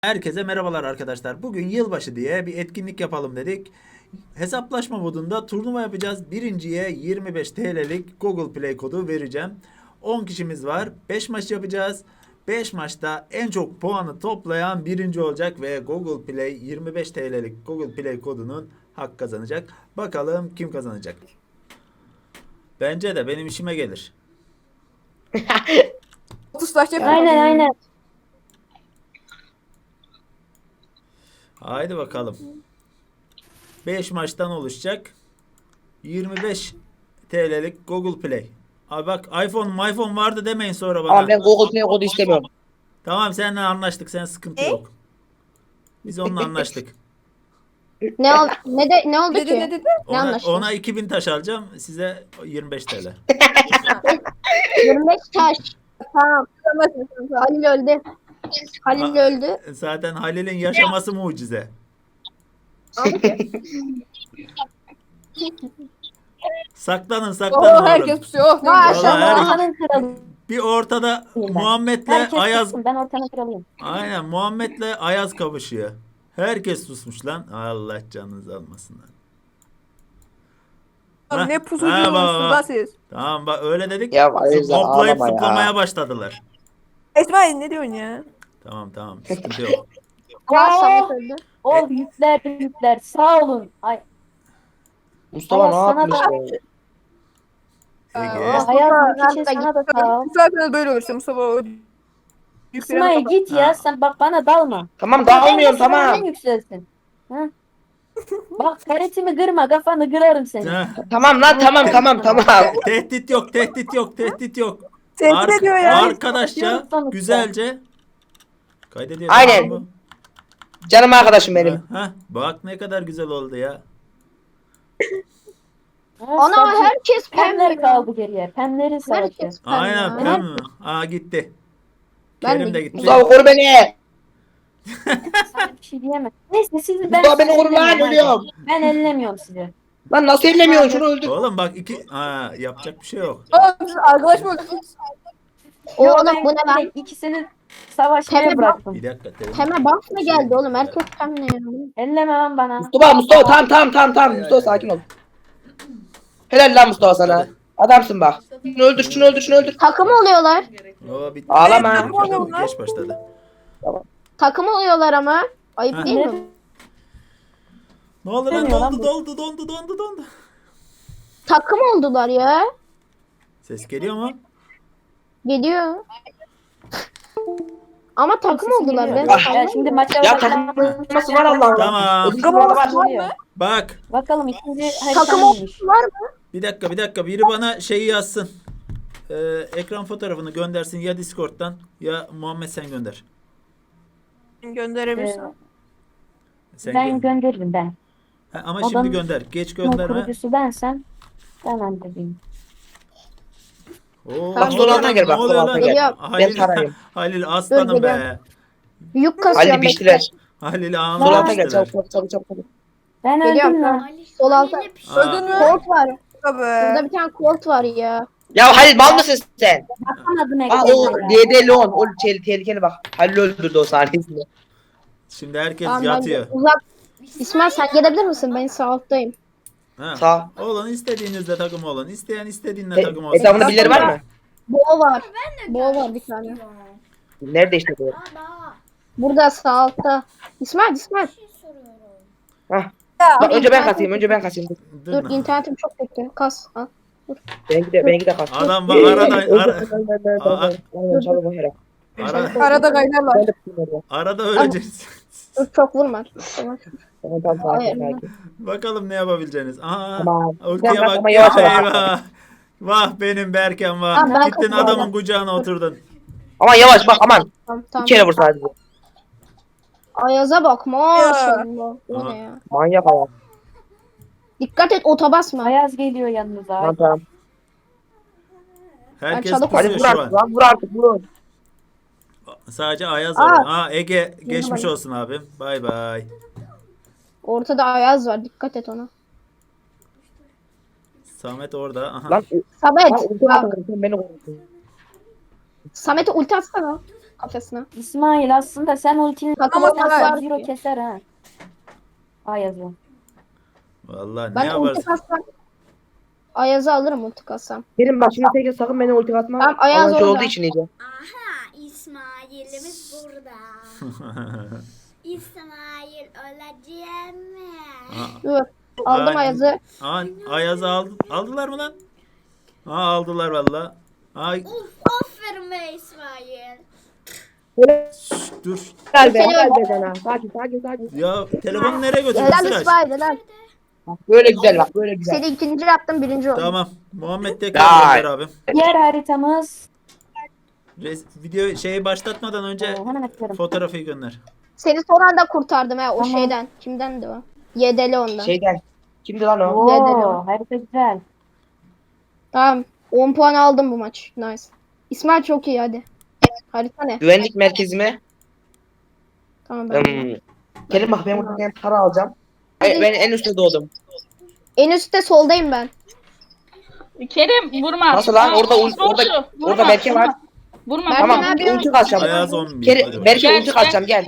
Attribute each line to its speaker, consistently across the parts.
Speaker 1: Herkese merhabalar arkadaşlar. Bugün yılbaşı diye bir etkinlik yapalım dedik. Hesaplaşma modunda turnuva yapacağız. Birinciye 25 TL'lik Google Play kodu vereceğim. 10 kişimiz var. 5 maç yapacağız. 5 maçta en çok puanı toplayan birinci olacak ve Google Play 25 TL'lik Google Play kodunun hak kazanacak. Bakalım kim kazanacak? Bence de benim işime gelir.
Speaker 2: 30 taş yapalım.
Speaker 3: Aynen.
Speaker 1: Haydi bakalım. 5 maçtan oluşacak. 25 TL'lik Google Play. Abi bak iPhone vardı demeyin sonra bana.
Speaker 4: Ama ben Google Play kodu istemiyorum.
Speaker 1: Tamam seninle anlaştık. Sen sıkıntı yok. Biz onunla anlaştık.
Speaker 3: Ne oldu
Speaker 2: Ne dedi
Speaker 3: ki?
Speaker 2: ne dedi?
Speaker 3: Ne anlaştınız?
Speaker 1: Ona 2000 taş alacağım. Size 25 TL.
Speaker 3: 25 taş. Tamam. Halil öldü. Halil öldü.
Speaker 1: Zaten Halil'in yaşaması mucize. Saklanın
Speaker 2: Oh,
Speaker 1: oğlum.
Speaker 2: herkes pusuyor. Oh, ne
Speaker 3: Vay,
Speaker 2: güzel.
Speaker 1: Vallahi herkes-
Speaker 3: ortanın kralı.
Speaker 1: Bir ortada
Speaker 3: Ben.
Speaker 1: Muhammed'le
Speaker 3: Herkes
Speaker 1: Ayaz.
Speaker 3: sussun, ben ortanın kralıyım.
Speaker 1: Aynen Muhammed'le Ayaz kavuşuyor. Herkes susmuş lan. Allah canınızı almasın lan.
Speaker 2: Oğlum, ne
Speaker 1: Ha,
Speaker 2: pusuyorsunuz
Speaker 1: bak.
Speaker 2: da siz?
Speaker 1: Tamam bak öyle dedik.
Speaker 4: Ya Ayaz'dan
Speaker 1: Hoplayıp
Speaker 4: ağlama ya.
Speaker 1: zıplamaya başladılar.
Speaker 2: İsmail ne diyorsun ya?
Speaker 1: Tamam sıkıntı yok.
Speaker 3: Ya Samet öldü.
Speaker 5: Yükler sağ olun. Ay,
Speaker 4: Mustafa ne
Speaker 5: Ayaz sana
Speaker 4: yapmış
Speaker 5: da-
Speaker 4: ya?
Speaker 1: Ege.
Speaker 5: Hayat bir
Speaker 3: Mustafa,
Speaker 5: kişi sana da sağ ol.
Speaker 2: Zaten böyle olursa Mustafa o
Speaker 5: İsmail git ya
Speaker 1: Ha.
Speaker 5: sen bak bana dalma.
Speaker 4: Tamam dağılmıyorum
Speaker 5: Sen
Speaker 4: tamam.
Speaker 5: yükselsin. Ha? Bak karetimi kırma kafanı kırarım seni.
Speaker 1: Heh,
Speaker 4: Tamam lan tamam.
Speaker 1: Tehdit yok.
Speaker 2: Tehdit ediyor ya.
Speaker 1: Arkadaşça
Speaker 5: Sonuçta.
Speaker 1: güzelce kaydediyor.
Speaker 4: Aynen.
Speaker 1: Tamam mı?
Speaker 4: Canım arkadaşım benim.
Speaker 1: Bak ne kadar güzel oldu ya.
Speaker 3: Ana
Speaker 5: Sadece
Speaker 3: herkes
Speaker 5: Pemler
Speaker 3: pembe.
Speaker 5: kaldı geriye. Pemlerin savaşı.
Speaker 3: Herkes pembe.
Speaker 1: Aynen
Speaker 3: ya.
Speaker 1: Pem mi? Aa gitti.
Speaker 3: Ben
Speaker 1: Kerim
Speaker 3: de
Speaker 1: de gitti.
Speaker 4: Mustafa koru beni.
Speaker 5: Sana bir şey diyemem. Neyse siz
Speaker 4: Mustafa beni koru lan
Speaker 5: ellemiyorum,
Speaker 4: ölüyorum.
Speaker 5: hadi. Ben ellemiyorum sizi.
Speaker 4: Lan nasıl ellemiyorsun şunu öldür.
Speaker 1: Oğlum bak yapacak bir şey yok.
Speaker 2: Oğlum siz arkadaş mı oldunuz?
Speaker 3: Oğlum bu ne lan?
Speaker 5: İkisini savaşmaya
Speaker 3: Pembe
Speaker 5: bıraktım.
Speaker 1: Bir dakika. Terim.
Speaker 3: Pembe buff mı geldi oğlum? Herkes pembe ya.
Speaker 5: Elleme lan bana.
Speaker 4: Mustafa tamam. Mustafa sakin ol. Helal lan Mustafa sana. Adamsın bak. Şunu öldür.
Speaker 3: Takım oluyorlar.
Speaker 1: Oo, bitti.
Speaker 4: Ağlama.
Speaker 1: Geç başladı.
Speaker 3: Takım oluyorlar ama. Ayıp
Speaker 1: Ha.
Speaker 3: değil mi?
Speaker 1: Ne oldu lan?
Speaker 5: Dönüyor lan
Speaker 1: Dondu.
Speaker 3: Takım oldular ya.
Speaker 1: Ses geliyor mu?
Speaker 3: Geliyor. Ama takım oldular. Ben
Speaker 4: Ah.
Speaker 5: Ya şimdi maça
Speaker 4: Ya
Speaker 5: başlayalım.
Speaker 4: takılması var Allah'ım.
Speaker 1: Tamam.
Speaker 4: Ödül var.
Speaker 1: Bak.
Speaker 5: Bakalım ikinci
Speaker 3: takım
Speaker 5: haritamıymış.
Speaker 3: var mı?
Speaker 1: Bir dakika. Biri bana şeyi yazsın. Ekran fotoğrafını göndersin ya Discord'dan ya Muhammed sen gönder.
Speaker 2: Gönderebilirsin.
Speaker 1: Sen
Speaker 5: Ben
Speaker 1: gö-
Speaker 5: gönderirim ben.
Speaker 1: Ha, ama
Speaker 5: Adam-
Speaker 1: şimdi gönder. Geç
Speaker 5: Bunun
Speaker 1: gönderme.
Speaker 5: kurucusu bensem ben göndereyim.
Speaker 1: Oo,
Speaker 4: Bak,
Speaker 1: ne
Speaker 4: sol
Speaker 1: oluyor
Speaker 4: alta
Speaker 1: lan?
Speaker 4: gel, bak,
Speaker 1: Ne oluyor
Speaker 4: sol
Speaker 1: lan?
Speaker 4: alta
Speaker 3: gel.
Speaker 1: Halil,
Speaker 4: Ben sarayım.
Speaker 1: Halil aslanım
Speaker 3: Dur,
Speaker 1: be.
Speaker 3: geliyorum. Yük kasıyorum.
Speaker 4: Ali piştiler.
Speaker 1: Halil
Speaker 4: Sol
Speaker 1: ağzına
Speaker 4: alta gel
Speaker 1: piştiler.
Speaker 4: çabuk.
Speaker 5: Ben
Speaker 3: Geliyorum,
Speaker 5: öldüm
Speaker 3: tamam.
Speaker 5: lan.
Speaker 3: Sol alta.
Speaker 2: Öldün mü?
Speaker 3: Colt var.
Speaker 2: Tabii.
Speaker 3: Burada bir tane Colt var ya.
Speaker 4: Ya Halil mal mısın sen?
Speaker 5: Bakamadım
Speaker 4: Aa o
Speaker 5: ekrana ya.
Speaker 4: DD Leon. O tehlikeli bak. Halil öldürdü o saniyesinde.
Speaker 1: Şimdi herkes
Speaker 3: Tamam, ben
Speaker 1: yatıyor.
Speaker 3: uzak. İsmail sen gelebilir misin? Ben sağ alttayım.
Speaker 1: Ha.
Speaker 4: Sağ.
Speaker 1: Olun istediğinizde takım olun. İsteyen istediğinde takım olsun.
Speaker 4: Etrafında birileri var mı?
Speaker 3: Bo var. Bo var bir tane.
Speaker 4: Nerede işte bu?
Speaker 3: Burada sağ altta. İsmail.
Speaker 4: Hah.
Speaker 2: Ya,
Speaker 4: Bak önce ben kasayım.
Speaker 1: Dur,
Speaker 3: Dur
Speaker 1: lan.
Speaker 3: internetim çok kötü. Kas. Al.
Speaker 4: Benimki de kasayım.
Speaker 1: Adam bak
Speaker 2: arada kaynarlar.
Speaker 1: arada öleceğiz.
Speaker 3: Dur çok vurma. Tamam. Hayır.
Speaker 1: Bakalım ne yapabileceğiniz. Aha.
Speaker 4: Tamam.
Speaker 1: Ultiye
Speaker 4: Tamam,
Speaker 1: bak.
Speaker 4: ama yavaş yavaş.
Speaker 1: Eyvah. Vah benim Berkem vah.
Speaker 3: Tamam, ben
Speaker 1: Gittin
Speaker 3: kaçıyorum.
Speaker 1: adamın kucağına oturdun.
Speaker 4: Aman yavaş bak aman.
Speaker 3: Tamam.
Speaker 4: Bir kere vur sadece.
Speaker 3: Ayaz'a bak maşallah. O
Speaker 1: Aha.
Speaker 3: ne ya?
Speaker 4: Manyak ayak.
Speaker 3: Dikkat et ota basma.
Speaker 5: Ayaz geliyor yanınıza.
Speaker 4: Tamam.
Speaker 1: Herkes
Speaker 3: çalık
Speaker 1: pusuyor
Speaker 4: Hadi vur
Speaker 1: şu
Speaker 4: artık
Speaker 1: an.
Speaker 4: lan vur artık vur.
Speaker 1: Sadece Ayaz var.
Speaker 3: Aa.
Speaker 1: Aa Ege geçmiş
Speaker 3: bak.
Speaker 1: olsun abim. Bay bay.
Speaker 3: Ortada Ayaz var. Dikkat et ona.
Speaker 1: Samet orada. Aha.
Speaker 4: Lan
Speaker 3: Samet.
Speaker 4: ulti
Speaker 3: Bak.
Speaker 4: atın sen beni korkutun.
Speaker 3: Samet'e ulti atsana. kafasına.
Speaker 5: İsmail aslında sen ultini
Speaker 3: Takım
Speaker 2: Ama
Speaker 3: olmak
Speaker 2: var.
Speaker 3: var.
Speaker 5: zero keser ha. Ayaz'ı.
Speaker 1: Vallahi ne
Speaker 3: Ben ulti
Speaker 1: yaparsın?
Speaker 3: kassam Ayaz'ı alırım ulti kassam.
Speaker 4: Kerim bak şimdi tekrar sakın beni ulti atma.
Speaker 3: Tamam, Ayaz
Speaker 4: Avantaj
Speaker 3: orada.
Speaker 4: olduğu için iyice.
Speaker 6: Aha İsmail'imiz burada. İsmail öleceğim mi?
Speaker 3: Dur. Aldım
Speaker 1: Ay-
Speaker 3: Ayaz'ı.
Speaker 1: Ayaz'ı aldılar mı lan? Ha aldılar valla. Ay
Speaker 6: Aferin be İsmail.
Speaker 1: şş, dur.
Speaker 4: Gel be gel be sana. Sakin.
Speaker 1: Ya telefonu nereye götürdün
Speaker 3: Helal
Speaker 1: Sıraç?
Speaker 3: İsmail helal.
Speaker 4: Böyle güzel bak böyle güzel.
Speaker 3: Seni ikinci yaptım birinci oldum.
Speaker 1: Tamam. Muhammed tekrar gönder abim.
Speaker 5: Diğer haritamız.
Speaker 1: Video şeyi başlatmadan önce
Speaker 5: Hemen atıyorum.
Speaker 1: fotoğrafı gönder.
Speaker 3: Seni son anda kurtardım o
Speaker 5: Tamam.
Speaker 3: şeyden. Kimden de o? Yedeli ondan.
Speaker 4: Şeyden. Kimdi lan o?
Speaker 5: Oo, harita güzel.
Speaker 3: Tamam. 10 puan aldım bu maç. Nice. İsmail çok iyi hadi. Harita ne?
Speaker 4: Güvenlik merkezime.
Speaker 3: Tamam ben.
Speaker 4: Kerim bak ben buradan bir para alacağım. Ben en üstte doğdum.
Speaker 3: En üstte soldayım ben.
Speaker 7: Kerim vurma.
Speaker 4: Nasıl lan? Orada
Speaker 7: Vurma,
Speaker 4: orada
Speaker 7: vurma,
Speaker 4: Berke var.
Speaker 7: Vurma.
Speaker 3: Berke
Speaker 4: Tamam
Speaker 3: ne yapıyor?
Speaker 4: ulti kaçacağım.
Speaker 1: Ayaz 11.
Speaker 4: Kerim, Berke ulti kaçacağım gel.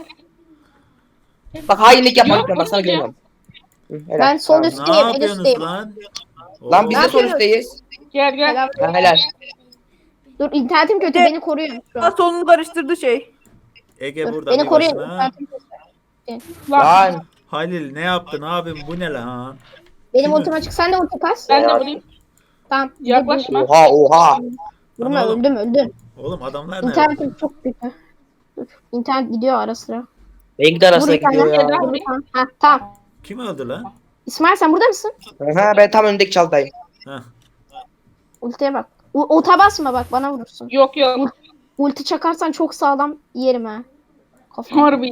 Speaker 4: Bak hainlik yapma
Speaker 7: Yok,
Speaker 4: lütfen bak sana
Speaker 7: vurmayacağım.
Speaker 4: güveniyorum. Hı, helal.
Speaker 3: Ben sol
Speaker 4: Tamam.
Speaker 3: üst-
Speaker 1: Ne
Speaker 3: Üstteyim, en
Speaker 1: yapıyorsunuz
Speaker 3: üstteyim.
Speaker 1: lan?
Speaker 4: Lan biz
Speaker 1: Oo.
Speaker 4: de sol üstteyiz.
Speaker 7: Gel gel.
Speaker 3: Helal.
Speaker 4: Ha, helal.
Speaker 3: Dur internetim kötü beni koruyun şu an.
Speaker 2: Solunu karıştırdı şey.
Speaker 1: Ege
Speaker 3: Dur,
Speaker 1: burada
Speaker 3: beni
Speaker 1: bir
Speaker 3: koruyun.
Speaker 1: başına.
Speaker 3: İnternetim kötü.
Speaker 7: Bak.
Speaker 4: Lan.
Speaker 1: Halil ne yaptın abim bu ne lan?
Speaker 3: Benim
Speaker 1: Kim
Speaker 3: ultim açık. Sen de ulti kas.
Speaker 7: Ben de vurayım.
Speaker 3: Tamam.
Speaker 7: Yaklaşma.
Speaker 4: Oha.
Speaker 3: Vurma
Speaker 1: Ana oğlum.
Speaker 3: öldüm.
Speaker 1: Oğlum adamlar ne?
Speaker 3: İnternetim çok kötü. Dur. İnternet gidiyor ara sıra.
Speaker 4: Renkli arasına
Speaker 3: Vur bir tane.
Speaker 4: gidiyor ya.
Speaker 3: Vur bir tane. Heh, tamam.
Speaker 1: Kim öldü lan?
Speaker 3: İsmail sen burada mısın?
Speaker 4: Ha, ben tam öndeki çaldayım.
Speaker 1: Heh.
Speaker 3: Ultiye bak. Ota basma bak bana vurursun.
Speaker 7: Yok yok.
Speaker 3: Ulti çakarsan çok sağlam yerim ha. Kafam.
Speaker 7: Harbi.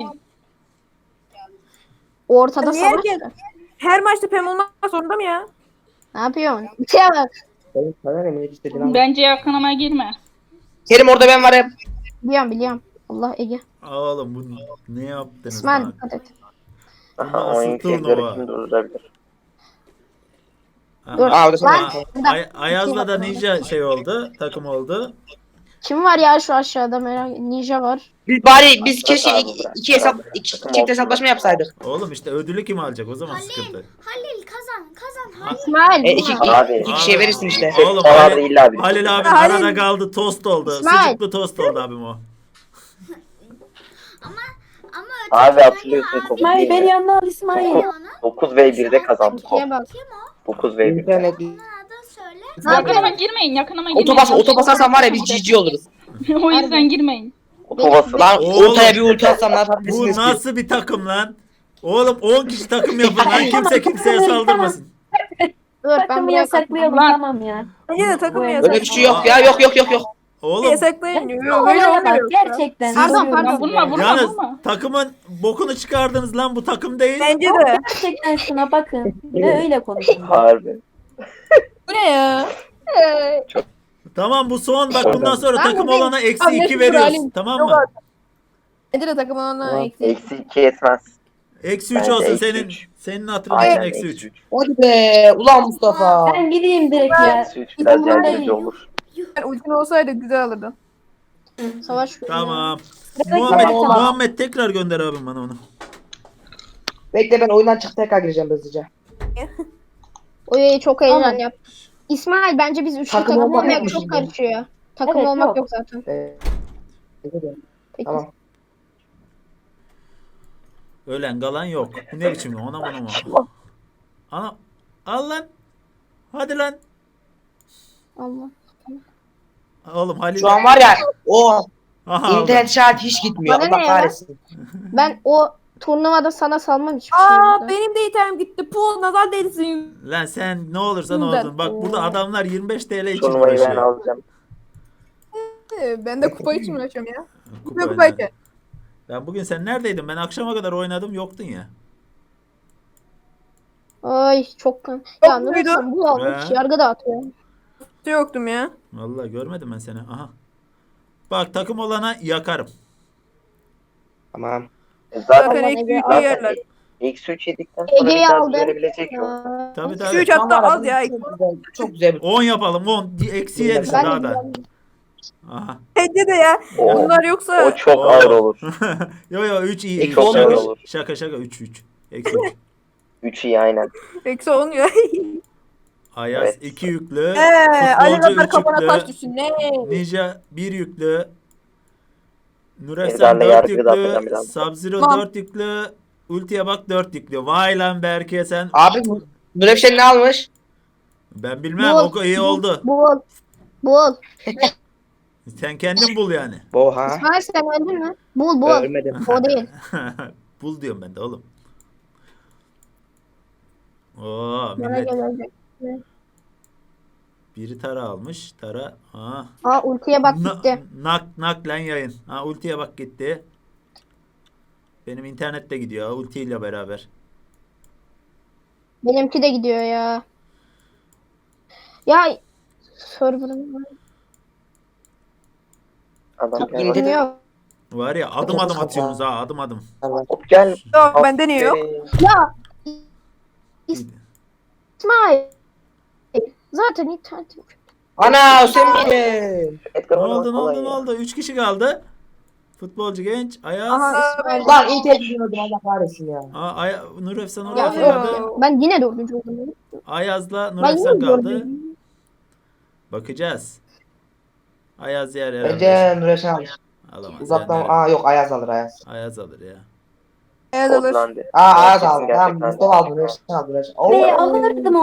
Speaker 3: Ortada
Speaker 2: Niye
Speaker 3: savaş.
Speaker 2: herkes-
Speaker 3: var.
Speaker 2: Her maçta Pem olmak zorunda mı ya?
Speaker 3: Ne yapıyorsun? Ultiye bak.
Speaker 4: Benim sana ne istediğin ama.
Speaker 7: Bence yakınıma girme.
Speaker 4: Kerim orada ben varım.
Speaker 3: Biliyorum. Allah Ege.
Speaker 1: Oğlum bu ne yaptınız
Speaker 3: İsmail
Speaker 1: lan?
Speaker 3: dikkat et.
Speaker 1: Bu nasıl turnuva? Aha.
Speaker 3: Dur.
Speaker 4: Aa, o da sana.
Speaker 3: Lan, bir dakika.
Speaker 1: Ayaz'la da Ninja şey oldu, takım oldu.
Speaker 3: Kim var ya şu aşağıda merak Ninja var.
Speaker 4: Biz keşke iki çift hesaplaşma yapsaydık.
Speaker 1: Oğlum işte ödülü kim alacak o zaman sıkıntı.
Speaker 6: Halil kazan Halil.
Speaker 3: İsmail.
Speaker 4: İki
Speaker 3: vurma.
Speaker 4: kişiye verirsin işte.
Speaker 1: Oğlum Halil abi
Speaker 2: Halil.
Speaker 1: arada kaldı tost oldu.
Speaker 3: İsmail.
Speaker 1: Sucuklu tost oldu abim o.
Speaker 6: Ama
Speaker 8: Abi hatırlıyorsun
Speaker 5: İsmail beni yanına al İsmail.
Speaker 8: 9v1'de kazandık.
Speaker 3: İkiye bak.
Speaker 8: 9v1'de.
Speaker 4: İnternet.
Speaker 6: Adı söyle.
Speaker 7: Yakınıma girmeyin. Yakınıma girmeyin.
Speaker 4: Otobasarsan var ya biz GG oluruz.
Speaker 7: O yüzden girmeyin.
Speaker 8: Otobası.
Speaker 4: Lan
Speaker 1: Oğlum.
Speaker 4: ortaya bir ulti atsam ne
Speaker 1: Bu
Speaker 4: yapabilirsiniz ki?
Speaker 1: nasıl bir takım lan? Oğlum 10 kişi takım yapın lan kimse kimseye saldırmasın.
Speaker 3: Dur ben
Speaker 5: Takımı
Speaker 3: buraya
Speaker 5: yasaklayalım
Speaker 7: Lan.
Speaker 5: tamam ya.
Speaker 2: Bence de takım
Speaker 5: Öyle
Speaker 2: yasak.
Speaker 4: Öyle bir şey yok ya yok.
Speaker 1: Oğlum
Speaker 2: Yasaklayın. Yok öyle
Speaker 5: Olaya bak
Speaker 2: olmuyor.
Speaker 5: gerçekten.
Speaker 1: Siz-
Speaker 5: soruyorum
Speaker 3: Pardon,
Speaker 5: size.
Speaker 7: vurma.
Speaker 1: yalnız takımın bokunu çıkardınız lan bu takım değil.
Speaker 2: Bence de.
Speaker 5: Gerçekten şuna bakın. Ve öyle konuşun.
Speaker 8: Harbi.
Speaker 2: Bu ne ya?
Speaker 1: Tamam bu son bak bundan sonra
Speaker 3: Ben
Speaker 1: takım
Speaker 3: buradayım.
Speaker 1: olana eksi
Speaker 2: Abi,
Speaker 1: 2
Speaker 2: Mesut
Speaker 1: veriyoruz.
Speaker 2: Halim.
Speaker 1: Tamam
Speaker 2: Yok
Speaker 1: mı?
Speaker 2: artık. Bence de takım ona eksi.
Speaker 8: Eksi 2 yetmez.
Speaker 1: Eksi 3
Speaker 8: Bence
Speaker 1: olsun
Speaker 8: eksi
Speaker 1: senin.
Speaker 8: üç.
Speaker 1: Senin hatırın için
Speaker 8: Aynen
Speaker 1: eksi 3.
Speaker 8: eksi 3.
Speaker 4: Hadi be ulan Mustafa.
Speaker 5: Ben gideyim direkt ya.
Speaker 8: Eksi 3 biraz
Speaker 5: Umurumda
Speaker 8: yardımcı
Speaker 5: değil.
Speaker 8: olur.
Speaker 2: Yani ultin olsaydı güzel alırdın.
Speaker 3: savaş.
Speaker 1: Tamam.
Speaker 5: Sıradaki
Speaker 1: Muhammed,
Speaker 5: harita.
Speaker 1: Muhammed tekrar gönder abim bana onu.
Speaker 4: Bekle ben oyundan çık tekrar gireceğim hızlıca.
Speaker 3: Oy çok heyecan yap. İsmail bence biz üçlü
Speaker 4: Takım
Speaker 3: takım
Speaker 4: olmak
Speaker 3: olmayak
Speaker 4: yok mu
Speaker 3: çok
Speaker 4: şimdi?
Speaker 3: karışıyor. Takım
Speaker 5: Evet,
Speaker 3: olmak
Speaker 5: yok.
Speaker 3: yok zaten. Peki.
Speaker 4: Tamam.
Speaker 1: Ölen galan yok. Bu ne biçim ona bana mı? Ana al lan. Hadi lan.
Speaker 3: Allah.
Speaker 1: Oğlum Halil.
Speaker 4: Şu an var ya o
Speaker 1: Aha, aldı.
Speaker 4: internet şartı hiç gitmiyor.
Speaker 3: Bana
Speaker 4: Allah
Speaker 3: ne ya?
Speaker 4: kahretsin.
Speaker 3: Ben o turnuvada sana salmam hiçbir şey.
Speaker 2: Aa
Speaker 3: burada.
Speaker 2: benim de item gitti. Pool nazar değilsin.
Speaker 1: Lan sen ne olursan
Speaker 2: Bundan.
Speaker 1: olsun. Bak burada adamlar 25 TL için
Speaker 8: Turnuvayı ben
Speaker 1: uğraşıyor.
Speaker 8: alacağım.
Speaker 2: Ben de kupa için uğraşıyorum ya.
Speaker 1: Kupa
Speaker 2: Kupa
Speaker 1: oynadı.
Speaker 2: için.
Speaker 1: Ya bugün sen neredeydin? Ben akşama kadar oynadım yoktun ya.
Speaker 3: Ay çok kan.
Speaker 2: Yok
Speaker 3: Ya ne
Speaker 2: muydu?
Speaker 3: olursan bu almış
Speaker 1: He.
Speaker 3: yargı dağıtıyor.
Speaker 2: Yoktum ya.
Speaker 1: Vallahi görmedim ben seni. Aha. Bak takım olana yakarım.
Speaker 4: Tamam.
Speaker 8: Zaten
Speaker 2: Zaten eksi
Speaker 3: Ege-
Speaker 2: üçe yerler.
Speaker 8: eksi 3 yedikten sonra bir
Speaker 3: Ege'yi
Speaker 8: daha
Speaker 3: aldı.
Speaker 8: düzelebilecek yok.
Speaker 3: Aa,
Speaker 1: Tabii
Speaker 2: Eksi
Speaker 1: tabii.
Speaker 2: 3 hatta
Speaker 4: Tamam,
Speaker 2: az ya.
Speaker 4: Çok güzel.
Speaker 1: 10 yapalım 10. Eksiye düşün
Speaker 3: ben
Speaker 1: daha
Speaker 3: de
Speaker 1: da. Aha.
Speaker 2: Bence de ya.
Speaker 8: O,
Speaker 2: Bunlar yoksa
Speaker 8: o çok ağır olur.
Speaker 1: Yo 3 iyi.
Speaker 4: Eksi
Speaker 1: Şaka,
Speaker 4: on
Speaker 8: olur.
Speaker 4: olur.
Speaker 1: şaka 3. Eksi 3.
Speaker 8: 3 iyi aynen.
Speaker 2: eksi olmuyor.
Speaker 1: Ayaz
Speaker 8: Evet.
Speaker 1: 2 yüklü.
Speaker 2: Ali
Speaker 1: Futbolcu
Speaker 2: Zafer
Speaker 1: 3
Speaker 2: kafana taş
Speaker 1: yüklü.
Speaker 2: düşsün. Ne?
Speaker 1: Ninja 1 yüklü. Nurefsen
Speaker 8: Ezberle,
Speaker 1: 4
Speaker 8: yargıyı da atacağım
Speaker 1: yüklü.
Speaker 8: biraz.
Speaker 1: Sub-Zero
Speaker 2: Tamam.
Speaker 1: 4 yüklü. Ultiye bak 4 yüklü. Vay lan Berke sen.
Speaker 4: Abi Nurefşen ne almış?
Speaker 1: Ben bilmem
Speaker 3: Bul.
Speaker 1: o iyi oldu.
Speaker 3: Bul. Bul.
Speaker 1: Sen kendin bul yani.
Speaker 4: Oha.
Speaker 3: İsmail sen öldün mü? Bul.
Speaker 4: Ölmedim.
Speaker 3: O değil.
Speaker 1: Bul diyorum ben de oğlum. Oo
Speaker 3: Bana
Speaker 1: millet
Speaker 3: gel ölecek.
Speaker 1: biri tara almış. Tara. Ha.
Speaker 3: Aa ultiye bak gitti.
Speaker 1: Nak lan yayın. Ha ultiye bak gitti. Benim internet de gidiyor ultiyle beraber.
Speaker 3: Benimki de gidiyor ya. Ya server'ım var.
Speaker 8: Adam gel.
Speaker 4: İndir.
Speaker 3: Yok.
Speaker 1: Var ya adım atıyorsunuz ha adım.
Speaker 8: Hop gel.
Speaker 2: Yok bende niye yok?
Speaker 3: Ya İsmail. Zaten internetim.
Speaker 4: Ana sen miydin?
Speaker 8: Edgar
Speaker 1: Ne
Speaker 8: oynamak
Speaker 1: oldu
Speaker 8: kolay ya.
Speaker 1: 3 kişi kaldı. Futbolcu genç. Ayaz.
Speaker 3: Aha İsmail.
Speaker 4: Lan internetim öldü Allah kahretsin ya.
Speaker 1: Nur Efsan
Speaker 3: Ya,
Speaker 1: orada
Speaker 2: oluyor?
Speaker 1: kaldı.
Speaker 3: Ben yine dördüncü oldum.
Speaker 1: Ayaz'la Nur
Speaker 3: Ben
Speaker 1: Efsan
Speaker 3: yine
Speaker 1: kaldı.
Speaker 3: dördüncü.
Speaker 1: Bakacağız. Ayaz yer
Speaker 4: Bence
Speaker 1: herhalde.
Speaker 4: Nurefşen alır.
Speaker 1: Alamaz.
Speaker 4: Uzaktan
Speaker 1: yani.
Speaker 4: yok Ayaz alır Ayaz.
Speaker 1: Ayaz alır ya.
Speaker 2: Evet alır.
Speaker 8: Kodlandı.
Speaker 4: Ayaz
Speaker 8: Kesin
Speaker 4: aldı.
Speaker 8: gerçekten.
Speaker 4: Tamam Mustafa aldı. Nurefşen aldı. Nurefşen.
Speaker 5: Be
Speaker 4: Oo.
Speaker 5: alırdım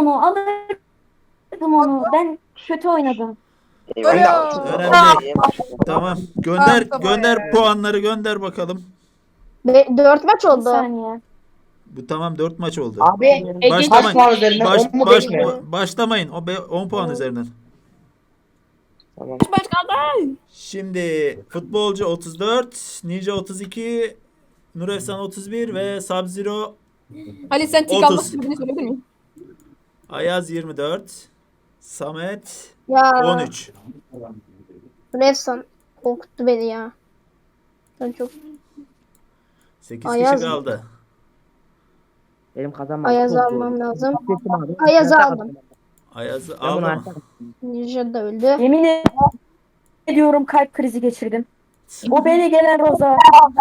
Speaker 5: onu. Ben kötü oynadım.
Speaker 8: Eyvallah.
Speaker 2: Ölüyor.
Speaker 1: Önemli değil. Tamam. Gönder
Speaker 2: Tamam ya.
Speaker 1: puanları gönder bakalım.
Speaker 3: 4 maç
Speaker 5: Bir
Speaker 3: oldu.
Speaker 5: saniye.
Speaker 1: Bu tamam 4 maç oldu.
Speaker 4: Abi
Speaker 1: Başlamayın.
Speaker 4: kaç puan üzerinden? 10 mu 5 mi?
Speaker 1: Başlamayın. 10 puan üzerinden.
Speaker 4: Tamam.
Speaker 2: Başkan.
Speaker 1: Şimdi futbolcu 34, Ninja 32, Nur Efsan 31 ve Sub-Zero
Speaker 2: Ali sen tik
Speaker 1: 30.
Speaker 2: almak istediğini söyledin mi?
Speaker 1: Ayaz 24, Samet
Speaker 3: Ya
Speaker 1: 13.
Speaker 3: Refsan korkuttu beni ya. Ben çok
Speaker 1: 8
Speaker 3: Ayaz
Speaker 1: kişi
Speaker 3: mı?
Speaker 1: kaldı.
Speaker 4: Benim kazanmam.
Speaker 3: Ayaz'ı almam lazım. Ayaz'ı aldım.
Speaker 1: Ayaz'ı aldım.
Speaker 3: Ninja da öldü.
Speaker 5: Yemin ediyorum kalp krizi geçirdim. O beni gelen Roza.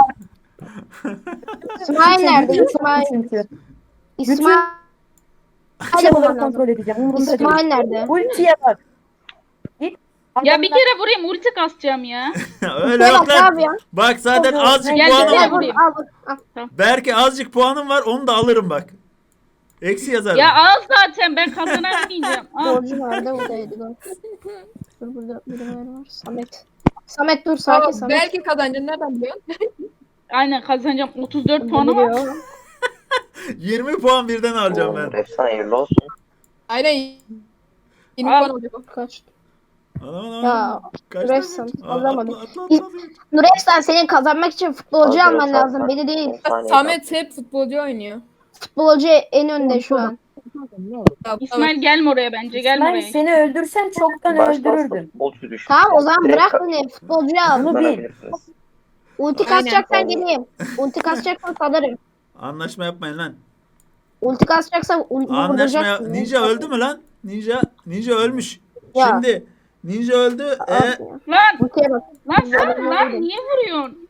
Speaker 3: İsmail nerede? İsmail.
Speaker 5: Çünkü.
Speaker 3: İsmail.
Speaker 5: Çabaları
Speaker 3: bulmam lazım.
Speaker 5: kontrol edeceğim. Umurumda değil.
Speaker 3: İsmail nerede?
Speaker 5: Ultiye bak. Git.
Speaker 7: Ya bir kere vurayım ulti kasacağım ya.
Speaker 1: Öyle
Speaker 3: Bak
Speaker 1: yok
Speaker 3: ne
Speaker 1: lan.
Speaker 3: yapıyorsun?
Speaker 1: Bak zaten
Speaker 5: Yok,
Speaker 1: azıcık
Speaker 7: gel,
Speaker 1: puanım
Speaker 7: gel,
Speaker 1: var.
Speaker 7: gel. vurayım.
Speaker 3: Al.
Speaker 1: Belki azıcık puanım var onu da alırım bak. Eksi yazarım.
Speaker 7: Ya al zaten ben kazanamayacağım. Al.
Speaker 3: Borcu nerede? Buradaydı. Dur burada birileri var. Samet. Samet dur sakin
Speaker 2: Tamam,
Speaker 3: Samet.
Speaker 2: belki kazanacaksın nereden biliyorsun?
Speaker 7: Aynen kazanacağım. 34 puanım var.
Speaker 3: Biliyor.
Speaker 1: 20 puan birden alacağım
Speaker 8: Oo,
Speaker 1: ben.
Speaker 8: Efsane hayırlı olsun.
Speaker 2: Aynen. 20
Speaker 7: Al.
Speaker 2: puan olacak o.
Speaker 3: Kaç?
Speaker 1: Anam
Speaker 3: Ya,
Speaker 1: Kaç
Speaker 3: Refsan,
Speaker 1: tane?
Speaker 3: alamadım.
Speaker 1: Atla.
Speaker 3: Nurefsan senin kazanmak için futbolcu
Speaker 8: Hazır
Speaker 3: alman
Speaker 8: ol,
Speaker 3: lazım.
Speaker 8: sen.
Speaker 3: Beni değil.
Speaker 8: 10 saniye
Speaker 2: Samet hep futbolcu oynuyor.
Speaker 3: Futbolcu en önde şu an.
Speaker 2: Tamam,
Speaker 7: İsmail gelme oraya bence. Gelme
Speaker 5: İsmail
Speaker 7: oraya.
Speaker 5: seni öldürsem çoktan
Speaker 8: Baştan
Speaker 5: öldürürdüm.
Speaker 8: futbolcu düştü.
Speaker 3: Tamam o zaman
Speaker 8: Direkt
Speaker 3: bırak beni. Futbolcuyu al.
Speaker 5: Bunu bil.
Speaker 8: kazanabilirsiniz.
Speaker 3: Ulti
Speaker 2: Aynen.
Speaker 3: kasacaksan geleyim. Ulti kasacaksan salarım.
Speaker 1: Anlaşma yapmayın lan.
Speaker 3: Ulti kasacaksan
Speaker 1: Anlaşma
Speaker 3: vurduracaksın.
Speaker 1: Ninja öldü mü lan? Ninja ölmüş.
Speaker 3: Ya.
Speaker 1: Şimdi Ninja öldü.
Speaker 7: Lan
Speaker 3: Ultiye bak.
Speaker 7: lan niye vuruyorsun?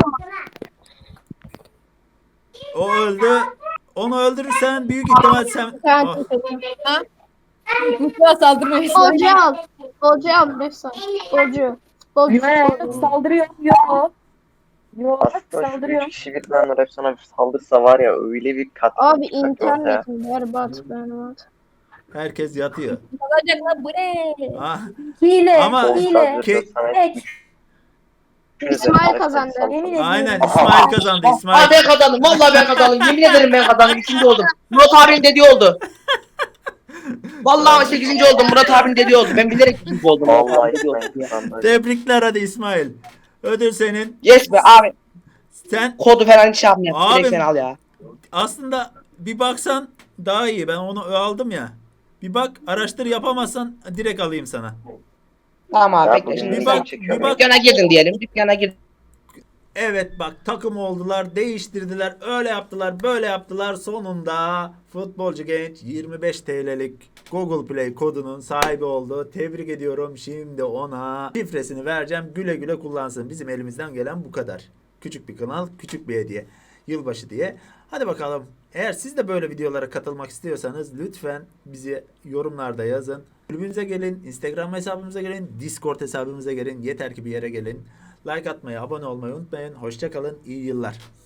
Speaker 1: O öldü. Onu öldürürsen büyük ihtimal sen
Speaker 3: Sen
Speaker 1: Oh,
Speaker 2: Mustafa saldırmaya
Speaker 3: futbolcu al. Futbolcu al Refsan. Futbolcu. Futbolcu.
Speaker 5: Yok saldırıyor. Yok. Yok
Speaker 8: Aslında şu
Speaker 5: saldırıyor.
Speaker 8: 3 kişi birden Efsane bir saldırsa var ya öyle bir kat.
Speaker 3: Abi
Speaker 8: çıkacak ortaya.
Speaker 3: internetim berbat.
Speaker 1: herkes yatıyor.
Speaker 2: kazanacak lan bu ne?
Speaker 1: Ah,
Speaker 5: Hile.
Speaker 1: Ama-
Speaker 5: Hile.
Speaker 1: Ke-
Speaker 3: İsmail kazandı.
Speaker 5: Yemin ediyorum.
Speaker 1: aynen İsmail kazandı.
Speaker 4: Aa
Speaker 1: İsmail.
Speaker 4: ben kazandım. Vallahi ben kazandım. Yemin ederim ben kazandım. 3. oldum. Murat abinin dediği oldu. Vallahi 8. oldum. Murat abinin dediği oldu. Ben bilerek 3. oldum. Murat
Speaker 8: Vallahi
Speaker 4: abinin dediği oldu.
Speaker 8: İsmail kazandı.
Speaker 1: Tebrikler hadi İsmail. Ödül senin.
Speaker 4: Yes be abi.
Speaker 1: Sen
Speaker 4: Kodu falan hiç yapmıyor.
Speaker 1: Abi-
Speaker 4: Direkt sen al ya.
Speaker 1: aslında bir baksan daha iyi. Ben onu aldım ya. Bir bak araştır yapamazsan direkt alayım sana.
Speaker 4: Tamam abi
Speaker 8: Ya
Speaker 4: bekle
Speaker 8: bugün
Speaker 4: şimdi.
Speaker 1: Bir
Speaker 8: güzel
Speaker 1: bak,
Speaker 8: çekiyor.
Speaker 1: bir bak.
Speaker 4: Dükkana girdin diyelim. Dükkana girdin.
Speaker 1: Evet bak takım oldular, değiştirdiler, öyle yaptılar, böyle yaptılar. Sonunda futbolcu genç 25 TL'lik Google Play kodunun sahibi oldu. Tebrik ediyorum. Şimdi ona şifresini vereceğim. Güle güle kullansın. Bizim elimizden gelen bu kadar. Küçük bir kanal, küçük bir hediye. Yılbaşı diye. Hadi bakalım. Eğer siz de böyle videolara katılmak istiyorsanız lütfen bizi yorumlarda yazın. Kulübümüze gelin, Instagram hesabımıza gelin, Discord hesabımıza gelin. Yeter ki bir yere gelin. Like atmayı, abone olmayı unutmayın. Hoşça kalın, iyi yıllar.